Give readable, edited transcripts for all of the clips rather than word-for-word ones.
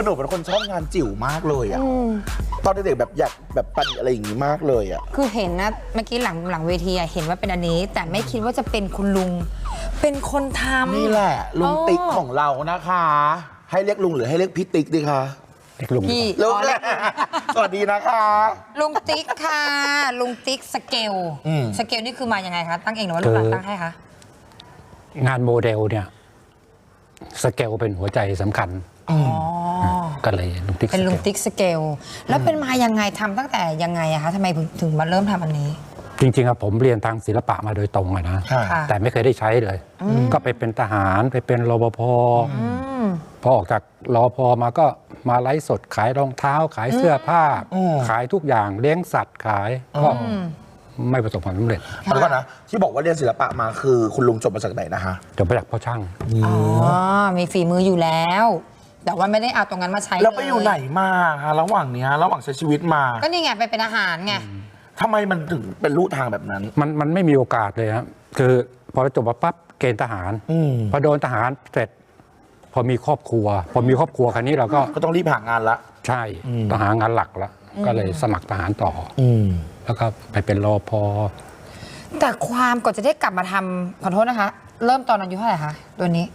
หนูเป็นคนชอบงานจิ๋วมากเลยอะตอนเด็กๆแบบอยากแบบปั้นอะไรอย่างงี้มากเลยอะคือเห็นนะเมื่อกี้หลังเวทีเห็นว่าเป็นอันนี้ แต่ไม่คิดว่าจะเป็นคุณลุงเป็นคนทำนี่แหละลุงติ๊กของเรานะคะ ให้เรียกลุงหรือให้เรียกพี่ติ๊กดีคะเรียกลุงพี่ลุงสวัสดีนะคะลุงติ๊กค่ะลุงติ๊กสเกลสเกลนี่คือมายังไงคะตั้งเองหรือว่าลูกหลานตั้งให้คะงานโมเดลเนี่ยสเกลเป็นหัวใจสำคัญก็เลยลุงติ๊กเป็นลุงติ๊กสเกลแล้วเป็นมายังไงทำตั้งแต่ยังไงอะคะทำไมถึงมาเริ่มทำอันนี้จริงๆผมเรียนทางศิลปะมาโดยตรงอะนะแต่ไม่เคยได้ใช้เลยก็ไปเป็นทหารไปเป็นรปภพอออกจากรปภมาก็มาไลฟ์สดขายรองเท้าขายเสื้อผ้าขายทุกอย่างเลี้ยงสัตว์ขายก็ไม่ประสบความสำเร็จแล้วก็นะที่บอกว่าเรียนศิลปะมาคือคุณลุงจบมาจากไหนนะคะจบมาจากพ่อช่างมีฝีมืออยู่แล้วแต่ว่าไม่ได้เอาตรงนั้นมาใช้แล้วไปอยู่ไหนมาคะระหว่างนี้ระหว่างใช้ชีวิตมาก็นี่ไงไปเป็นอาหารไงทำไมมันถึงเป็นลู่ทางแบบนั้นมันไม่มีโอกาสเลยครับคือพอจบมาปั๊บเกณฑ์ทหารพอโดนทหารเสร็จพอมีครอบครัวคราวนี้เราก็ต้องรีบหางานละใช่ต้องหางานหลักละก็เลยสมัครทหารต่อแล้วก็ไปเป็นรปภแต่ความก่อนจะได้กลับมาทำขอโทษนะคะเริ่มตอนอายุเท่าไหร่คะตัวนี้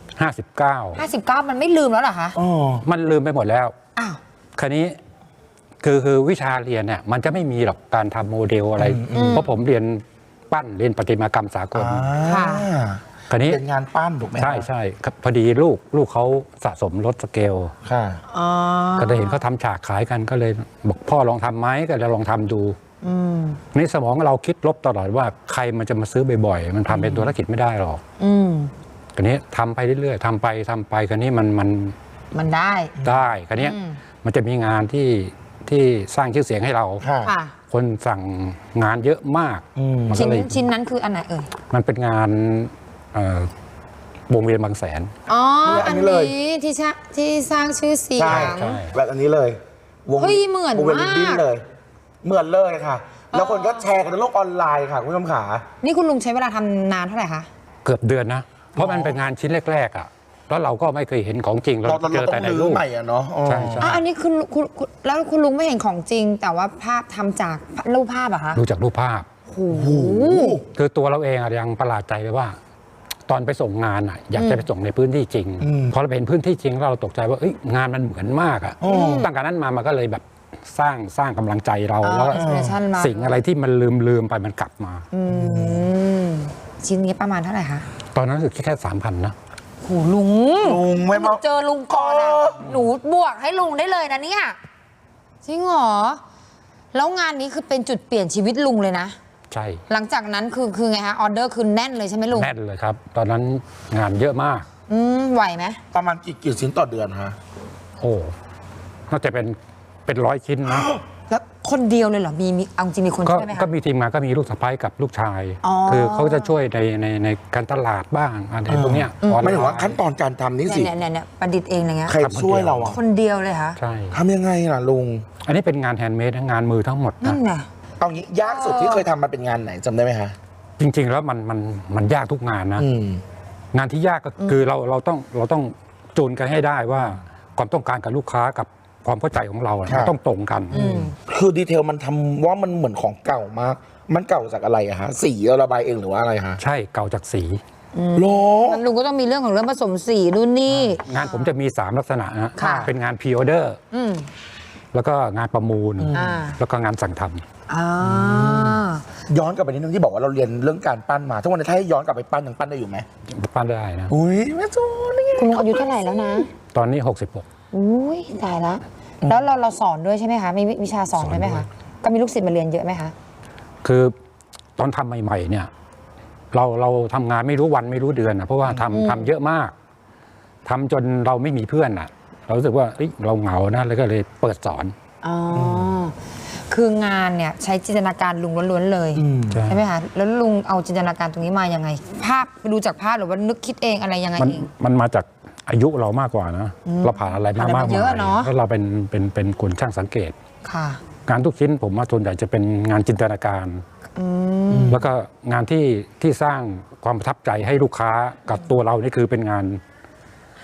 59มันไม่ลืมแล้วเหรอคะมันลืมไปหมดแล้วอ้าวคราวนี้คือวิชาเรียนเนี่ยมันจะไม่มีหรอกการทำโมเดลอะไรเพราะผมเรียนปั้นเรียนประติมากรรมสากลคราวนี้เป็นงานปั้นถูกไหมใช่พอดีลูกเขาสะสมรถสเกลก็ได้เห็นเขาทำฉากขายกันก็เลยบอกพ่อลองทำไหมก็เลยลองทำดูในสมองเราคิดลบตลอดว่าใครมันจะมาซื้อบ่อยๆมันทำเป็นธุรกิจไม่ได้หรอกคราวนี้ทำไปเรื่อยๆทำไปคราวนี้มันได้คราวนี้มันจะมีงานที่สร้างชื่อเสียงให้เราคนสั่งงานเยอะมากชิ้นนั้นคืออันไหนเอ่ยมันเป็นงานวงเวียนบางแสนอันนี้ที่สร้างชื่อเสียงแบบอันนี้เลยวงเหมือนมากเลยเหมือนเลยค่ะแล้วคนก็แชร์กันในโลกออนไลน์ค่ะคุณผู้ชมขานี่คุณลุงใช้เวลาทำนานเท่าไหร่คะเกือบเดือนนะเพราะมันเป็นงานชิ้นแรกๆอ่ะแล้วเราก็ไม่เคยเห็นของจริงเราเจอแต่ในรูปใหม่อ่ะเนาะใช่อันนี้คุณแล้วคุณลุงไม่เห็นของจริงแต่ว่าภาพทำจากรูปภาพอะคะดูจากรูปภาพคือตัวเราเองยังประหลาดใจไปว่าตอนไปส่งงานอยากจะไปส่งในพื้นที่จริงพอเราเห็นพื้นที่จริงเราตกใจว่างานมันเหมือนมากอ่ะตั้งแต่นั้นมามันก็เลยแบบสร้างกำลังใจเราแล้วสิ่งอะไรที่มันลืมไปมันกลับมาชิ้นนี้ประมาณเท่าไหร่คะตอนนั้นรู้สึกแค่ 3,000 นะโหลุงไม่มาเจอลุงก่อนอะหนูบวกให้ลุงได้เลยนะเนี่ยจริงเหรอแล้วงานนี้คือเป็นจุดเปลี่ยนชีวิตลุงเลยนะใช่หลังจากนั้นคือไงคะออเดอร์คือแน่นเลยใช่ไหมลุงแน่นเลยครับตอนนั้นงานเยอะมากไหวไหมประมาณกี่ชิ้นต่อเดือนฮะโอ้น่าจะเป็น100 ชิ้นนะแล้วคนเดียวเลยเหรอมีเอาจริงมีคนช่วยไหมคะก็มีทีมงานก็มีลูกสะใภ้กับลูกชายคือเขาจะช่วยในการตลาดบ้างอะไรพวกเนี้ยไม่ถึงว่าขั้นตอนการทำนี่สิเนี่ยประดิษฐ์เองอะไรเงี้ยใครช่วยเราอ่ะคนเดียวเลยคะใช่ทำยังไงล่ะลุงอันนี้เป็นงานแฮนด์เมดงานมือทั้งหมดนั่นไงเอางี้ยากสุดที่เคยทำมาเป็นงานไหนจำได้ไหมคะจริงๆแล้วมันยากทุกงานนะงานที่ยากก็คือเราต้องจูนกันให้ได้ว่าความต้องการกับลูกค้ากับความเข้าใจของเราต้องตรงกันคือดีเทลมันทำว่ามันเหมือนของเก่ามากมันเก่าจากอะไรอะฮะสีเราระบายเองหรือว่าอะไรฮะใช่เก่าจากสีลุงก็ต้องมีเรื่องของเรื่องผสมสีรุ่นนี้งานผมจะมี3ลักษณะนะเป็นงานพรีออเดอร์แล้วก็งานประมูลแล้วก็งานสั่งทำย้อนกลับไปนิดนึงที่บอกว่าเราเรียนเรื่องการปั้นมาทุกวันนี้ถ้าให้ย้อนกลับไปปั้นยังปั้นได้อยู่ไหมปั้นได้นะอุ้ยแม่จูนี่คุณลุงอายุเท่าไหร่แล้วนะตอนนี้66 อุ้ยตายแล้วแล้วเราสอนด้วยใช่ไหมคะมีวิชาสอนด้วยไหมคะก็มีลูกศิษย์มาเรียนเยอะไหมคะคือตอนทำใหม่ๆเนี่ยเราทำงานไม่รู้วันไม่รู้เดือนนะเพราะว่าทำเยอะมากทำจนเราไม่มีเพื่อนอ่ะเรารู้สึกว่าเราเหงานะแล้วก็เลยเปิดสอนคืองานเนี่ยใช้จินตนาการลุงล้วนๆเลยใช่ไหมคะแล้วลุงเอาจินตนาการตรงนี้มายังไงภาพไปดูจากภาพหรือว่านึกคิดเองอะไรยังไงเองมันมาจากอายุเรามากกว่านะเราผ่านอะไรมากเยอะเนาะแล้วเราเป็นคนช่างสังเกตงานทุกชิ้นผมว่าส่วนใหญ่จะเป็นงานจินตนาการแล้วก็งานที่สร้างความประทับใจให้ลูกค้ากับตัวเรานี่คือเป็นงาน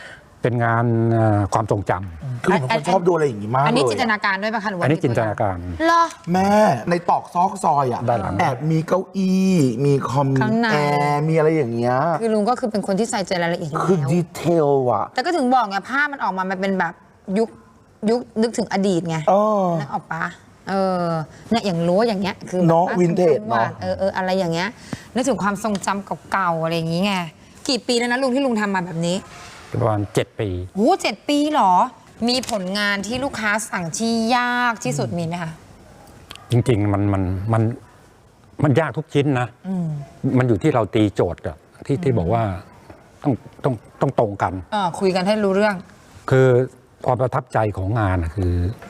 เป็นงานความทรงจำคือผมเป็นคนชอบดูอะไรอย่างงี้มากเลยอันนี้จินตนาการด้วยป่ะคะหรือว่าอันนี้จินตนาการเหรอแม่ในตอกซอกซอยอ่ะด้านหลังแอบมีเก้าอี้มีคอมข้างในแอร์มีอะไรอย่างเงี้ยคือลุงก็คือเป็นคนที่ใส่ใจรายละเอียดอยู่คือแล้วดีเทลอ่ะแต่ก็ถึงบอกไงภาพมันออกมามันเป็นแบบยุคนึกถึงอดีตไง นึกออกปะเนี่ยอย่างรั้วอย่างเงี้ยคือเนาะแบบวินเทจเนาะอะไรอย่างเงี้ยนึกถึงความทรงจำเก่าๆอะไรอย่างงี้ไงกี่ปีแล้วนะลุงที่ลุงทำมาแบบนี้ประมาณ7 ปีโอ้7 ปีเหรอ มีผลงานที่ลูกค้าสั่งที่ยากที่สุดมีไหมคะจริงๆมันยากทุกชิ้นนะมันอยู่ที่เราตีโจทย์อะที่บอกว่าต้องตรงกันคุยกันให้รู้เรื่องคือความประทับใจของงานคือ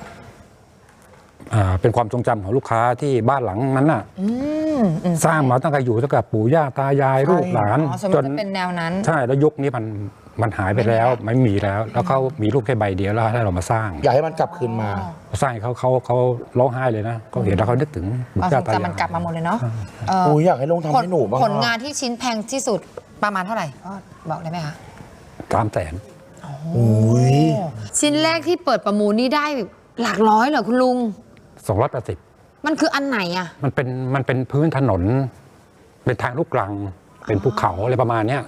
เป็นความทรงจำของลูกค้าที่บ้านหลังนั้นน่ะสร้างมาตั้งแต่อยู่ตั้งแต่ปู่ย่าตายายลูกหลานสมมติจะเป็นแนวนั้นใช่แล้วยุคนี้มันหายไปแล้วไม่มีแล้ว แล้วเขามีรูปแค่ใบเดียวแล้วให้เรามาสร้างอยากให้มันกลับคืนมาสร้างเขาร้องไห้เลยนะเขาเห็นแล้วเขานึกถึงความปู่ทย่ารงตายายจำมันกลับมาหมดเลยเนาะโอ้ยอยากให้ลงทำให้หนูบ้างผลงานที่ชิ้นแพงที่สุดประมาณเท่าไหร่พ่อบอกได้ไหมคะ 300,000 โอ้ยชิ้นแรกที่เปิดประมูลนี่ได้หลักร้อยเหรอคุณลุง 280 มันคืออันไหนอะมันเป็นพื้นถนน เป็นทางลูกรัง เป็นภูเขาอะไรประมาณเนี้ย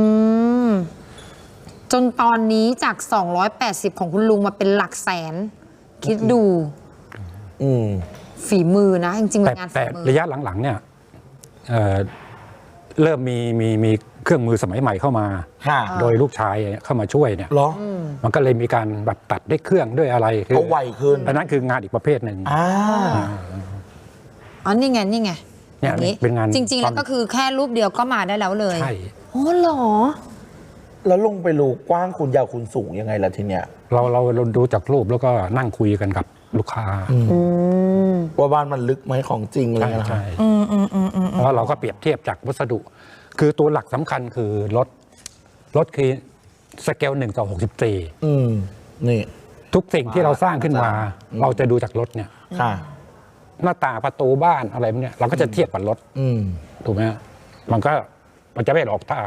จนตอนนี้จาก 280 ของคุณลุงมาเป็นหลักแสน คิดดูฝีมือนะ จริงๆมันงานฝีแต่มือระยะหลังๆเนี่ยเริ่มมีเครื่องมือสมัยใหม่เข้ามาค่ะโดยลูกชายเข้ามาช่วยเนี่ยเหรอมันก็เลยมีการแบบตัดด้วยเครื่องด้วยอะไรคือเอาไวขึ้นอันนั้นคืองานอีกประเภทหนึ่งนี่ไงเนี่ยอย่างนี้เป็นงานจริง ๆ แล้วก็คือแค่รูปเดียวก็มาได้แล้วเลยใช่โอ้เหรอแล้วลงไปรู้กว้างคุณยาวคุณสูงยังไงล่ะทีเนี้ยเราดูจากรูปแล้วก็นั่งคุยกันกับลูกค้าว่าบ้านมันลึกไหมของจริงอะไรใช่เงี้ยนะใช่แล้วเราก็เปรียบเทียบจากวัสดุ คือตัวหลักสำคัญคือรถคือสเกล1:64 นี่ทุกสิ่งที่เราสร้างขึ้นมา เราจะดูจากรถเนี่ยค่ะหน้าต่างประตูบ้านอะไรพวกเนี่ยเราก็จะเทียบกับรถถูกไหมฮะมันจะไม่ออกตา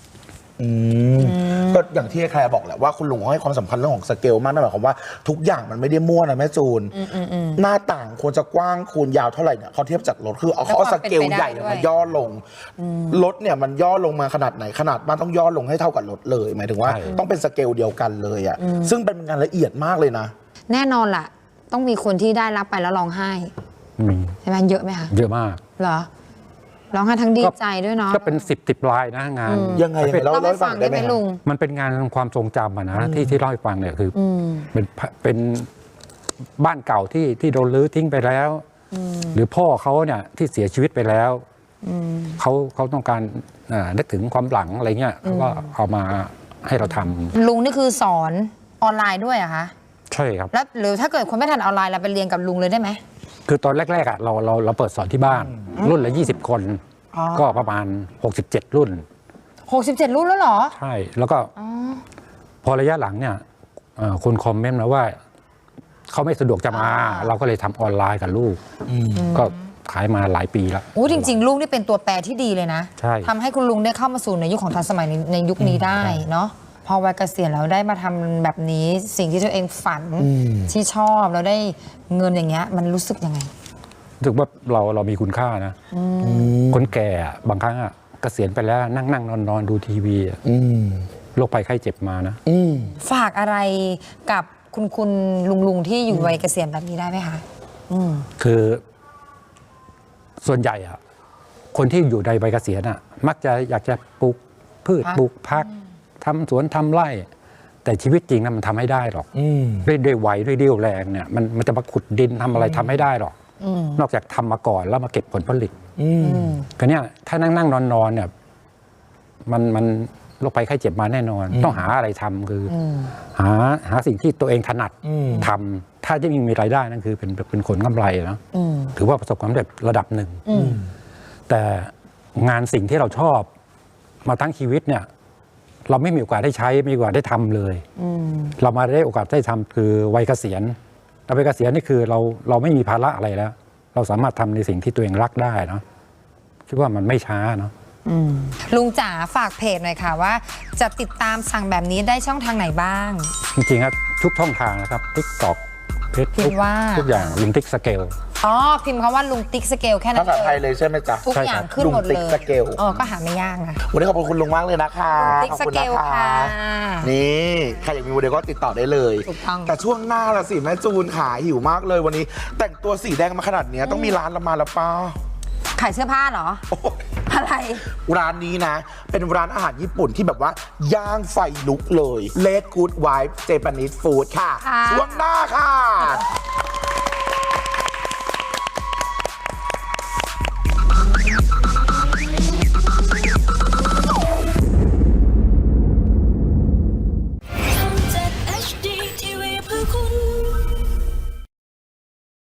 ก็อย่างที่แคลร์บอกแหละว่าคุณลุงเขาให้ความสำคัญเรื่องของสเกลมากนั่นหมายความว่าทุกอย่างมันไม่ได้มั่วนะแม่จูนหน้าต่างควรจะกว้างคูณยาวเท่าไหร่เนี่ยเขาเทียบจากรถคือเขาเอาสเกลใหญ่มาย่อลงรถเนี่ยมันย่อลงมาขนาดไหนขนาดบ้านต้องย่อลงให้เท่ากับรถเลยหมายถึงว่าใช่ต้องเป็นสเกลเดียวกันเลยอ่ะซึ่งเป็นงานละเอียดมากเลยนะแน่นอนล่ะ ต้องมีคนที่ได้รับไปแล้วร้องไห้มีใช่ไหมเยอะไหมคะเยอะมากเหรอ ร้องไห้ทั้งดีใจด้วยเนาะก็เป็น10 ลายนะงานยังไงเล่าเล่าให้ให้ฟัฟังงได้ได้ไหไหมมครับลุงมันเป็นงานความทรงจำอะนะที่เล่าให้ฟังเนี่ยคือเป็นบ้านเก่าที่โดนรื้อทิ้งไปแล้ว หรือพ่อเขาเนี่ยที่เสียชีวิตไปแล้วเขาต้องการนึกถึงความหลังอะไรเงี้ยเขาก็เอามาให้เราทำลุงนี่คือสอนออนไลน์ด้วยเหรอะคะใช่ครับแล้วหรือถ้าเกิดคนไม่ทันออนไลน์เราไปเรียนกับลุงเลยได้ไหมคือตอนแรกๆเราเปิดสอนที่บ้าน รุ่นละ20 คน ก็ประมาณ67 รุ่น 67 รุ่นแล้วเหรอใช่ แล้วก็พอระยะหลังเนี่ยคนคอมเมนต์มาว่าเขาไม่สะดวกจะมา เราก็เลยทำออนไลน์กับลูกก็ขายมาหลายปีแล้วโอ้จริง ๆ ลุงนี่เป็นตัวแปรที่ดีเลยนะใช่ทำให้คุณลุงได้เข้ามาสู่ในยุคของทันสมัยในยุคนี้ได้เนาะพอวัยเกษียณแล้วได้มาทำแบบนี้สิ่งที่ตัวเองฝันที่ชอบแล้วได้เงินอย่างเงี้ยมันรู้สึกยังไงรู้สึกว่าเรามีคุณค่านะคนแก่อะบางครั้งอะเกษียณไปแล้วนั่งนอนดูทีวีอะโรคภัยไข้เจ็บมานะฝากอะไรกับคุณลุงที่อยู่วัยเกษียณแบบนี้ได้ไหมคะคือส่วนใหญ่อะคนที่อยู่ในวัยเกษียณอะมักจะอยากจะปลูกพืชปลูกผักทำสวนทำไร่ แต่ชีวิตจริงนะมันทำให้ได้หรอกด้วยวัยด้วยเรี่ยวแรงเนี่ยมันจะมาขุดดินทำอะไรทำไม่ได้หรอกนอกจากทำมาก่อนแล้วมาเก็บผลผลิตก็เนี่ยถ้านั่งนอนเนี่ยมันโรคภัยไข้เจ็บมาแน่นอน ต้องหาอะไรทำคือหาสิ่งที่ตัวเองถนัดทำถ้าจะมีรายได้นั่นคือเป็นผลกำไรนะถือว่าประสบความสำเร็จระดับหนึ่งแต่งานสิ่งที่เราชอบมาทั้งชีวิตเนี่ยเราไม่มีโอกาสได้ใช้ไม่มีโอกาสได้ทำเลยเรามาได้โอกาสได้ทำคือวัยเกษียณเราวัยเกษียณนี่คือเราไม่มีภาระอะไรแล้ว เราสามารถทำในสิ่งที่ตัวเองรักได้เนาะคิดว่ามันไม่ช้าเนาะลุงจ๋าฝากเพจหน่อยค่ะว่าจะติดตามสั่งแบบนี้ได้ช่องทางไหนบ้างจริงๆครับทุกช่องทางนะครับ TikTok พิม Facebook พ์ว่าทุกอย่างลุงติ๊กสเกลอ๋อพิมพ์คำว่าลุงติ๊กสเกลแค่นั้ภาน ษาไทยเลยใช่ไหมจ๊ะทุกใช่อครัย่างบขึ้นหมดลุงติ๊เลกยสเกลก็หาไม่ยากนะวันนี้ขอบคุณคุณลุงมากเลยนะคะติ๊กขอบสคุณเกนะลคะค่ะนี่ใครอยากมีโมเดลก็ติดต่อได้เลยถูกต้องแต่ช่วงหน้าละสิแม่จูนขาหิวมากเลยวันนี้ แต่งตัวสีแดงมาขนาดเนี้ยต้องมีร้านละมาแล้วป้าขายเสื้อผ้าเหรอ อะไรร้านนี้นะ เป็นร้านอาหารญี่ปุ่นที่แบบว่า ย่างไฟลุกเลย Let Good Vibe Japanese Food ค่ะค่ะช่วงหน้าค่ะ